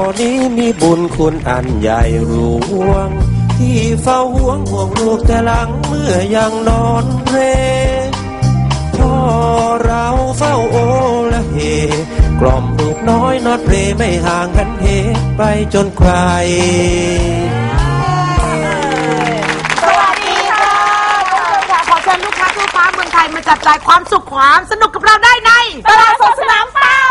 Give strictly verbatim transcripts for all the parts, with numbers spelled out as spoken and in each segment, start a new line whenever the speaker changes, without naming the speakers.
นี้มีบุญคุณอันใหญ่หลวงที่เฝ้าห่วงห่วงลูกแต่หลังเมื่อยังนอนเพลพ่อเราเฝ้าโอละเฮกล่อมลูกน้อยนอดเพลไม่ห่างกันเหไปจนใคร
สวัสดีค่ะขอเชิญลูกค้าทั่วฟ้าเมืองไทยมาจับจ่ายความสุขความสนุกกับเราได้ในตลาดสดสนามเป้า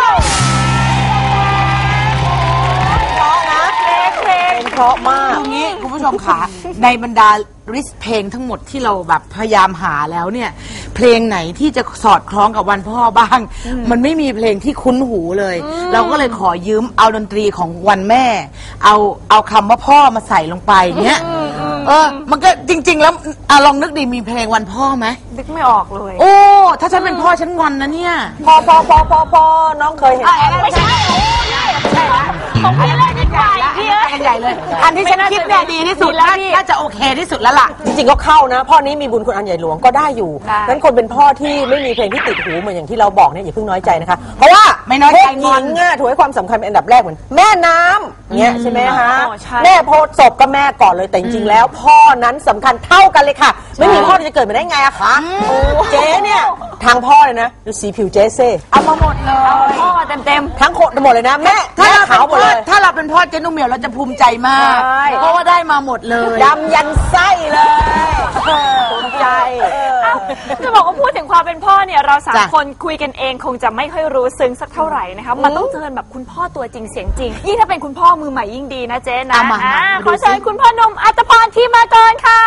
เพราะนะเพลงเพลงเพราะมากอย่างนี้คุณผู้ชมค่ะในบรรดาลิสต์เพลงทั้งหมดที่เราแบบพยายามหาแล้วเนี่ยเพลงไหนที่จะสอดคล้องกับวันพ่อบ้างมันไม่มีเพลงที่คุ้นหูเลยเราก็เลยขอยืมเอาดนตรีของวันแม่เอาเอาคำว่าพ่อมาใส่ลงไปเนี้ยเออมันก็จริงๆแล้วอะลองนึกดีมีเพลงวันพ่อไหมนึกไม่ออกเลยโอ้ถ้าฉันเป็นพ่อฉันงอนนะเนี่ยพ่อพ่อพ่อพ่อพ่อน้องเคยเห็นไม่ใช่โอ้ยไม่ใช่ละของพี่เลยดีกว่าพี่เอ้ยกันใหญ่เลยอันที่ฉันคิดเนี่ยดีที่สุดแล้วน่าจะโอเคที่สุดแล้วล่ะ
จริงๆก็เข้านะพ่อนี้มีบุญคุณอันใหญ่หลวงก็ได้อยู่นั้นคนเป็นพ่อที่ไม่มีเพลงที่ติดหูเหมือนอย่างที่เราบอกเนี่ยอย่าเพิ่งน้อยใจนะคะเพราะว่า
ไม่น้อยใจ
งอนง่ะถือให้ความสำคัญเป็นอันดับแรกเหมือนแม่น้ำเนี่ยใช่ไหมคะแม่โพสศพก็แม่ก่อนเลยแต่จริงๆแล้วพ่อนั้นสำคัญเท่ากันเลยค่ะไม่มีพ่อจะเกิดมาได้ไงอะคะเจ๊เนี่ยทางพ่อเลยนะดูสีผิวเจ๊เซ่
เอามาหมดเลยพ่อมาเต็ม
ๆทั้งโคตรหมดเลยนะแม่ถ้าเราเป็นพ่อ
ถ้าเราเป็นพ่อเจ๊นุ่มเหมียวเราจะภูมิใจมากเพราะว่าได้มาหมดเลย
ดำยันไส้เลยภูมิใจ
จะบอกว่าพูดถึงความเป็นพ่อเนี่ยเราสามคนคุยกันเองคงจะไม่ค่อยรู้ซึ้งสักเท่าไหร่นะคะมันต้องเจอแบบคุณพ่อตัวจริงเสียงจริงยิ่งถ้าเป็นคุณพ่อมือใหม่ยิ่งดีนะเจ๊นะขอเชิญคุณพ่อหนุ่มอัตภพรที่มาก่อนค่ะ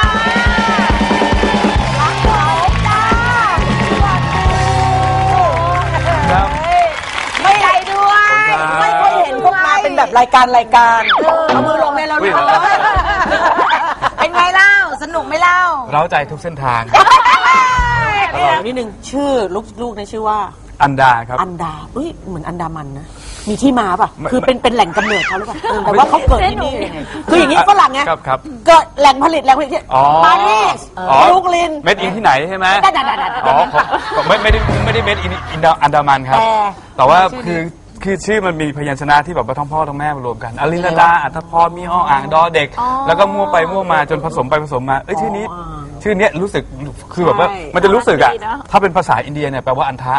ไม่ได้ด้วยไม่เคยเห็นพวกมาเป็นแบบรายการรายการเอามือลงในเราดู
เป็นไงเล่าสนุกไหมเล่า
เร้าใจทุกเส้นทาง
นิดนึงชื่อลูกลูกในชื่อว่า
อันดาครับ
อันดาเอ้ยเหมือนอันดามันนะมีที่มาป่ะคือเป็นเป็นแหล่งกำเนิดเขาหรือเปล่าแต่ว่าเขาเกิดที่นี่คืออย่างนี้ฝรั่งไงเกิดแหล่งผลิตแหล่งผลิตที่ปารีสบรูคลิน
เม็ดอินที่ไหนใช่ไหมอ๋อไม่ไม่ได้ไม่ได้เม็ดอินอินดาอันดามันครับแต่ว่าคือคือชื่อมันมีพยัญชนะที่แบบว่าทั้งพ่อทั้งแม่มารวมกันอลินดาอัตภพรมีอ้ออ่างดอเด็กแล้วก็มั่วไปมั่วมาจนผสมไปผสมมาเอ้ยชื่อนี้ชื่อเนี้ยรู้สึกคือแบบว่ามันจะรู้สึกอะถ้าเป็นภาษาอินเดียเนี่ยแปลว่าอันทะ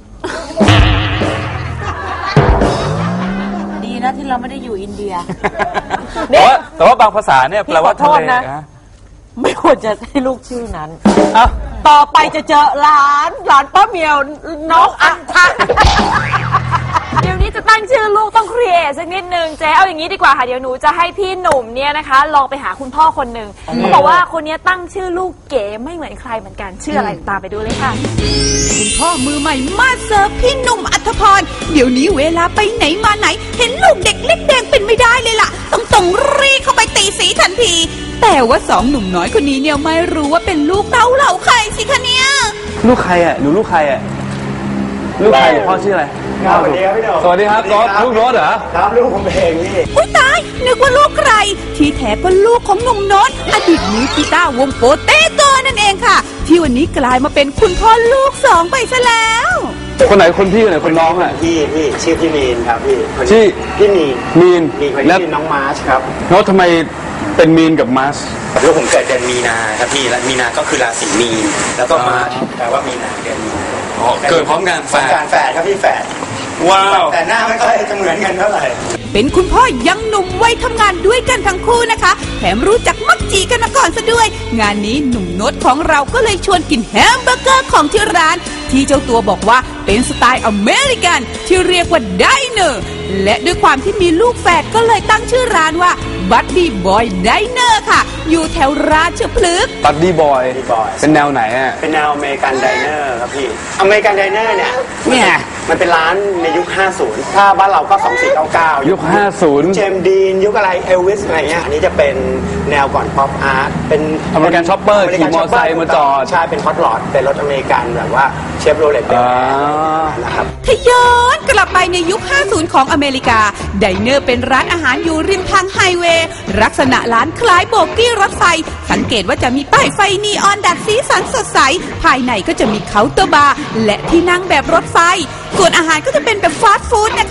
ดีนะที่เราไม่ได้อยู่อินเดีย
แต่ว่าแต่ว่าบางภาษาเนี่ยแปลว่าทะเลนะ
ไม่ควรจะให้ลูกชื่อนั้นต่อไปจะเจอหลานหลานป้าเมียวน้องอันทะ
เดี๋ยวนี้จะตั้งชื่อลูกต้องครีเอทสักนิดนึงเจ๊เอาอย่างนี้ดีกว่าค่ะเดี๋ยวหนูจะให้พี่หนุ่มเนี่ยนะคะลองไปหาคุณพ่อคนหนึ่งเขาบอกว่าคนนี้ตั้งชื่อลูกเก๋ไม่เหมือนใครเหมือนกันชื่ออะไรตามไปดูเลยค่ะ
คุณพ่อมือใหม่มาเสิร์ฟพี่หนุ่มอัธพรเดี๋ยวนี้เวลาไปไหนมาไหนเห็นลูกเด็กเล็กแดงเป็นไม่ได้เลยล่ะต้องต้องรีเข้าไปตีสีทันทีแต่ว่าสองหนุ่มน้อยคนนี้เนี่ยไม่รู้ว่าเป็นลูกเต้าเหล่าใครสิคะเนี่ย
ลูกใครอ่ะหนูลูกใครอ่ะลูกใครพ่อชื่ออะไรสวัสดีครับพี่หนุ่มสวัสดีครับรถลูกรถเหรอ
ครับลูกผมเองนี่
อุ้ยตายนึกว่าลูกใครที่แท้ก็ลูกของหนุ่มโน้ตอดีตมือกีตาร์วงโปเต้โกนั่นเองค่ะที่วันนี้กลายมาเป็นคุณพ่อลูกสองไปซะแล้ว
คนไหนคนพี่คนไหนคนน้องอ่ะ
พี่พี่ชื่อพี่มีนครับพี่
ชื่อ
พี่มีน
มีน
แล้วน้องมาร์ชครับ
โน้ตทำไมเป็นมีนกับมาร์ช
ลูกผมเกิดเดือนมีนาครับพี่และมีนาก็คือราศีมีนแล้วก็มาร์ชแปลว่ามีนาเดือนมีนา
เกิดพร้อมกันแฝด
การแฝดครับพี่แฝดว้าวแต่หน้าไม่ค่อยจะเหมือนกันเท่าไหร่
เป็นคุณพ่อยังหนุ่มวัยทำงานด้วยกันทั้งคู่นะคะแถมรู้จักมักจีกันมาก่อนซะด้วยงานนี้หนุ่มโน้ตของเราก็เลยชวนกินแฮมเบอร์เกอร์ของที่ร้านที่เจ้าตัวบอกว่าเป็นสไตล์อเมริกันที่เรียกว่าไดเนอร์และด้วยความที่มีลูกแฝดก็เลยตั้งชื่อร้านว่าบัดดี้บอยไดเนอร์ค่ะอยู่แถวราชพฤกษ์
บัดดี้บอยเป็นแนวไหนอ่ะ
เป็นแนวอเมริกันไดเนอร์ครับพี่อเมริกันไดเนอร์เนี่ย
เนี่ย
มันเป็นร้านในยุคห้าสิบถ้าบ้านเราก็สองสี่เก้าเก้า
ยุคห้าสิบ
เจมส์ดีนยุคอะไรเอลวิสอะไรเงี้ยอันนี้จะเป็นแนวก่อนป๊อปอาร์ตเป็น
อเมริกันช็อปเปอร์ขี่มอเตอร์ไซค์มาจอด
ใช่เป็นฮอตลอดเป็นรถอเมริกันแบบว่าเชฟโรเลตนะครับ
ถ้าย้อนกลับไปในยุคห้าสิบของอเมริกาไดเนอร์เป็นร้านอาหารอยู่ริมทางไฮเวย์ลักษณะร้านคล้ายโบกี้รถไฟสังเกตว่าจะมีป้ายไฟนีออนดัดสีสันสดใสภายในก็จะมีเคาน์เตอร์บาร์และที่นั่งแบบรถไฟส่วนอาหารก็จะเป็นแบบฟาสต์ฟู้ดนะคะ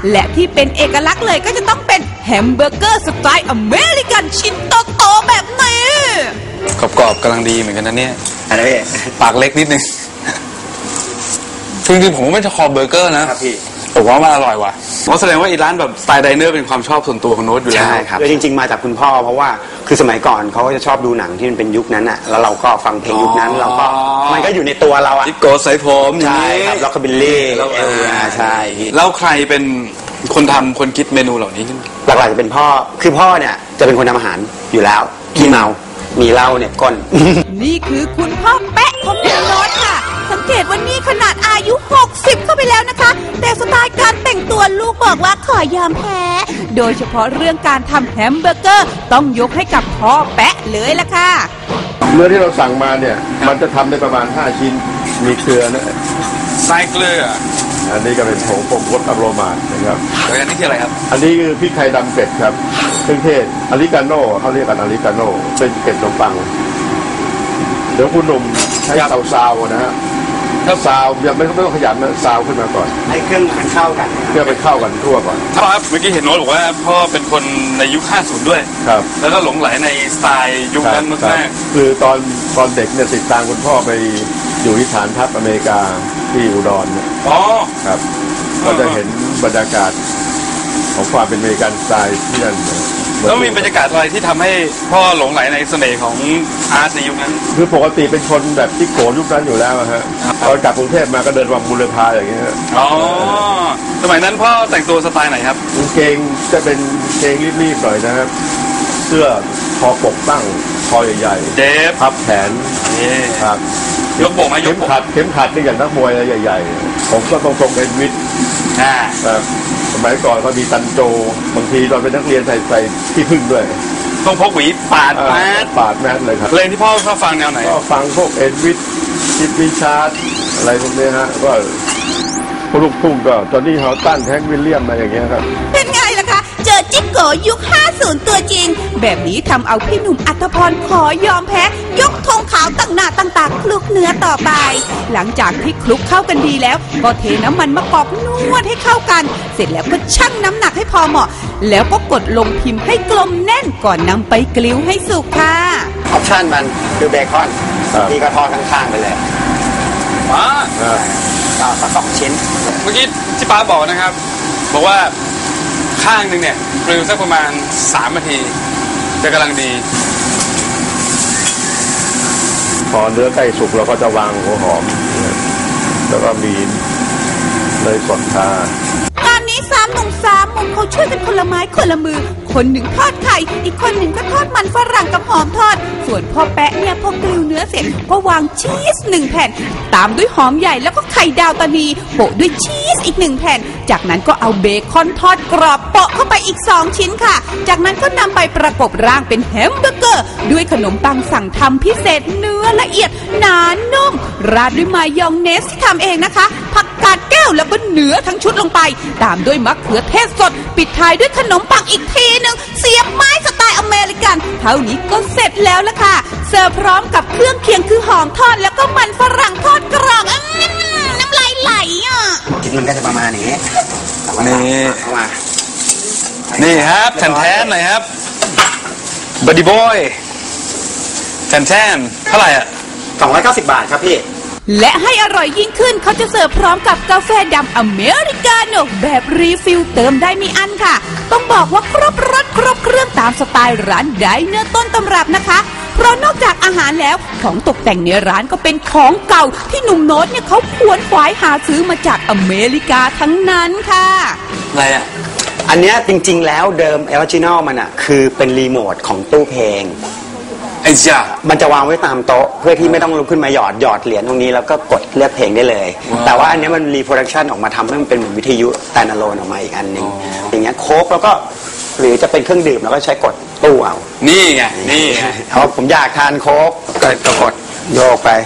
และที่เป็นเอกลักษณ์เลยก็จะต้องเป็นแฮมเบอร์เกอร์สไตล์อเมริกันชิ้นโตๆแบบนี้
กรอบๆกำลังดีเหมือนกันนะเนี่ย
อะไรพี่
ปากเล็กนิดนึงจริงๆผมไม่ชอบเบอร์เกอร์นะครับพี่ผมว่ามันอร่อยว่ะเพราะแสดงว่าอีร้านแบบสไตล์ไดเนอร์เป็นความชอบส่วนตัวของโน้ตอยู่แล้ว
ใช่ครับคือจริงๆมาจากคุณพ่อเพราะว่าคือสมัยก่อนเขาก็จะชอบดูหนังที่มันเป็นยุคนั้นอ่ะแล้วเราก็ฟังเพลงยุคนั้นเราก็มันก็อยู่ในตัวเราอ่ะ
ดิโก้ใส่ผม
ใช่ครับล็อกคาบิลลี่เอลใช่
แล้วใครเป็นคนทำคนคิดเมนูเหล่านี้ขึ้น
หลักๆจะเป็นพ่อคือพ่อเนี่ยจะเป็นคนทำอาหารอยู่แล้วขี้เมามีเหล้าเนี่ยก้น
นี่คือคุณพ่อแปะของคุณโน้ตค่ะสังเกตว่านี่ขนาดอายุหกสิบเข้าไปแล้วนะคะแต่สไตล์การแต่งตัวลูกบอกว่าขอยอมแพ้โดยเฉพาะเรื่องการทำแฮมเบอร์เกอร์ต้องยกให้กับพ่อแปะเลยล่ะค่ะ
เนื้อที่เราสั่งมาเนี่ยมันจะทำได้ประมาณห้าชิ้นมีเกลือนะ
ใส่เกลือ
อันนี้ก็เป็นผงปรุงรสอโรมานะครับ
อันนี้คืออะไรครับ
อันนี้คือพริกไทยดำเป็ดครับเครื่องเทศอริกาโน่เขาเรียกกันอริกาโน่เป็นเป็ดขนมปังเดี๋ยวคุณหนุ่มใช้เตาซาวนะฮะถ้าซาวยังไม่ต้องขยันนะซาวขึ้นมาก่อน
ให้เครื่องมันเข้ากัน
เครื่องมันเข้ากันทั่วก่อน
ครับเมื่อกี้เห็นโน้ตบอกว่าพ่อเป็นคนในยุคห้าสิบด้วย
ครับ
แล้วก็หลงไหลในสไตล์ยุคนั้นมาก
ๆคือตอนตอนเด็กเนี่ยติดตามคุณพ่อไปอยู่ที่ฐานทัพอเมริกาที่อุดรเนี่ย
อ๋อ
ครับก็จะเห็นบรรยากาศของความเป็นอเมริกันสไตล์ที่นั่น
แล้วมีบรรยากาศอะไรที่ทำให้พ่อหลงไหลในเสน่ห์ของอาร์ตในยุคนั้น
คือปกติเป็นคนแบบที่โกยุคนั้นอยู่แล้วฮะตอนกลับกรุงเทพมาก็เดินวังบุรพาอย่างเงี้ย
อ๋อสมัยนั้นพ่อแต่งตัวสไตล์ไหนครับ
กางเกงจะเป็นเกงรีบๆหน่อยนะครับเสื้อคอปกตั้งคอใหญ่ๆ
เดฟ
พับแขนครับ
ยกโบกไหมยก
เข็มขัดเข็มขัดนี่อย่างนักมวยอะไรใหญ่ๆผมก็ตรงๆเป็นวิทย์ครับสมัยก่อนเขามีตันโจบางทีเราเป็นนักเรียนใส่ใส่ที่พึ่งด้วย
ต้องพกหวีปาดแมส
ปาดแมสเลยครับ
เพลงที่พ่อชอบฟังแนวไหน
ก็ฟังพวกเอ็ดวิทจิตวิชาร์อะไรพวกนี้ฮะก็พวกลูกทุ่งก็ตอนนี้เขาตั้นแท็กวิลเลียมอะไรอย่างเงี้ยครับ
เป็นไงล่ะคะเจอจิ๊กโกยุคห้าสิบตัวจริงแบบนี้ทำเอาพี่หนุ่มอัตพรขอยอมแพ้ยกธงขาวตั้งหน้าตั้งตาคลุกเนื้อต่อไปหลังจากที่คลุกเข้ากันดีแล้วก็เทน้ำมันมะกอกนวดให้เข้ากันเสร็จแล้วก็ชั่งน้ำหนักให้พอเหมาะแล้วก็กดลงพิมพ์ให้กลมแน่นก่อนนำไปกลิ้วให้สุกค่ะ
ออปชั่นมันคือเบคอนนี่ก็ทอดข้างๆไปเลย
ว้า
ก็สักสองชิ้น
เมื่อกี้ที่ป้าบอกนะครับบอกว่าข้างหนึ่งเนี่ยกลิ้วสักประมาณสามนาทีจะกำลังดี
พอเนื้อใกล้สุกเราก็จะวางหัวหอมแล้วก็มีเนยสดทาง
านนี้สามหนุ่มสามมุมเขาช่วยกันคนละไม้คนละมือคนหนึ่งทอดไข่อีกคนหนึ่งก็ทอดมันฝรั่งกับหอมทอดส่วนพ่อแปะเนี่ยพอกลิ้วเนื้อเสร็จก็วางชีสหนึ่งแผ่นตามด้วยหอมใหญ่แล้วก็ไข่ดาวตานีโปะด้วยชีสอีกหนึ่งแผ่นจากนั้นก็เอาเบคอนทอดกรอบโปะเข้าไปอีกสองชิ้นค่ะจากนั้นก็นำไปประกบร่างเป็นแฮมเบอร์เกอร์ด้วยขนมปังสั่งทำพิเศษเนื้อละเอียดหนานุ่มราดด้วยมายองเนสที่ทำเองนะคะผักกาดแก้วแล้วก็เนื้อทั้งชุดลงไปตามด้วยมะเขือเทศสดปิดท้ายด้วยขนมปังอีกทีนึงเสียบไม้สไตล์อเมริกันเท่านี้ก็เสร็จแล้วล่ะค่ะเสิร์ฟพร้อมกับเครื่องเคียงคือหอมทอดแล้วก็มันฝรั่งทอดกรอบน้ำลายไหลอ่ะ
ชิ้นมันก็จะประมาณนี้
นี่นี่ครับแทนแทนหน่อยครับบัดดี้บอยแทนแทนเท่าไหร่อ่ะ
สองร้อยเก้าสิบบาทครับพี่
และให้อร่อยยิ่งขึ้นเขาจะเสิร์ฟพร้อมกับกาแฟดำอเมริกาโน่แบบรีฟิลเติมได้ไม่อั้นค่ะต้องบอกว่าครบรสครบเครื่องตามสไตล์ร้านไดเนอร์ต้นตำรับนะคะเพราะนอกจากอาหารแล้วของตกแต่งในร้านก็เป็นของเก่าที่หนุ่มโน้ตเนี่ยเขาขวนขวายหาซื้อมาจากอเมริกาทั้งนั้นค่ะ
อะไรอ่ะอันเนี้ยจริงๆแล้วเดิมออริจินอลมันอ่ะคือเป็นรีโมทของตู้เพลง
ไอ้จ้า
มันจะวางไว้ตามโต๊ะเพื่อที่ไม่ต้องลุกขึ้นมาหยอดหยอดเหรียญตรงนี้แล้วก็กดเลือกเพลงได้เลยแต่ว่าอันนี้มันรีโปรดักชันออกมาทำให้มันเป็นเหมือนวิทยุสแตนด์อะโลนออกมาอีกอันหนึ่งอย่างเงี้ยโค้กแล้วก็หรือจะเป็นเครื่องดื่มแล้วก็ใช้กดตู้เอา
นี่ไงนี่ไง
เพราะผมอยากทานโค้กก็กดโยกไป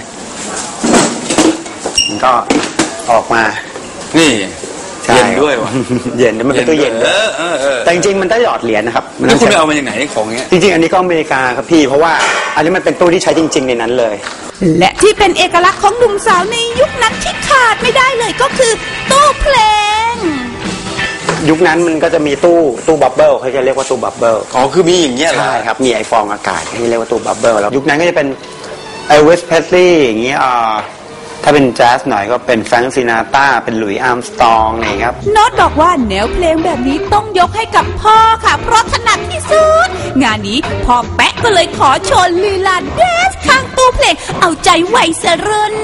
มันก็ออกมา
นี่เย็นด้วยวะ
เย็นมันเป็นตู้เย็นแต่จริงๆมันต้องหยอดเหรียญนะครับ
แล้วคุณไปเอามาอย่างไหนของเงี้ย
จริงๆอันนี้ก็อเมริกาครับพี่เพราะว่าอันนี้มันเป็นตู้ที่ใช้จริงๆในนั้นเลย
และที่เป็นเอกลักษณ์ของหนุ่มสาวในยุคนั้นที่ขาดไม่ได้เลยก็คือตู้เพลง
ยุคนั้นมันก็จะมีตู้ตู้บับเบิลเขาจะเรียกว่าตู้บับเบิล
อ๋อคือมีอย่างเงี้ยเหรอ
ใช่ครับมีไอฟองอากาศที่เรียกว่าตู้บับเบิลแล้วยุคนั้นก็จะเป็นเอลวิสเพสลีย์อย่างเงี้ยอ่าถ้าเป็นแจ๊สหน่อยก็เป็นแฟรงค์ซินาตราเป็นหลุยส์อาร์มสตรองอะไรครับ
โน้ตบอกว่าแนวเพลงแบบนี้ต้องยกให้กับพ่อค่ะเพราะถนัดที่สุดงานนี้พ่อแป๊ะก็เลยขอโชว์ลีลาแดนซ์ข้างตู้เพลงเอาใจไวยสรุ่น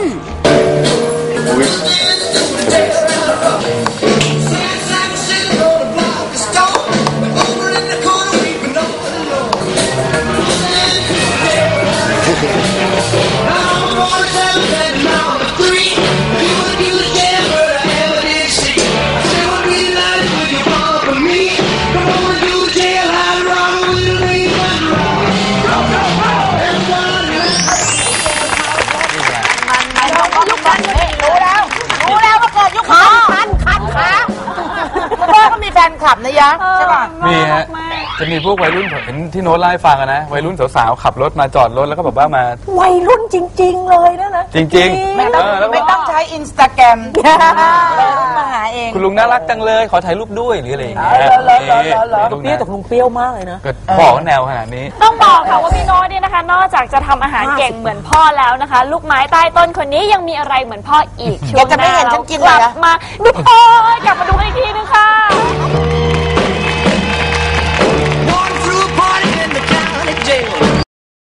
แฟนคลับนะยะใช่ป่ะ
มีฮะจะมีพวกวัยรุ่นผมเห็นที่โน้ตไล่ฟังนะวัยรุ่นสาวๆขับรถมาจอดรถแล้วก็แบบว่ามา
วัยรุ่นจริงๆเลยนะนะ
จริงๆ
ไม่ต้องไม่ต้องใช้อินสตาแกรมมาหาเอง
คุณลุงน่ารักจังเลยขอถ่ายรูปด้วยหรืออะไรอย่างเงี้ย
เปรี้ยวแต่ลุงเปรี้ยวมากเลยนะ
บอกแนวขนาดนี้
ต้องบอกค่ะว่าพี่โน้ตเนี่ยนะคะนอกจากจะทำอาหารเก่งเหมือนพ่อแล้วนะคะลูกไม้ใต้ต้นคนนี้ยังมีอะไรเหมือนพ่ออีกช่วงหน้าเรากลับมาดูพ่อกลับมาดูอีกทีนึงค่ะ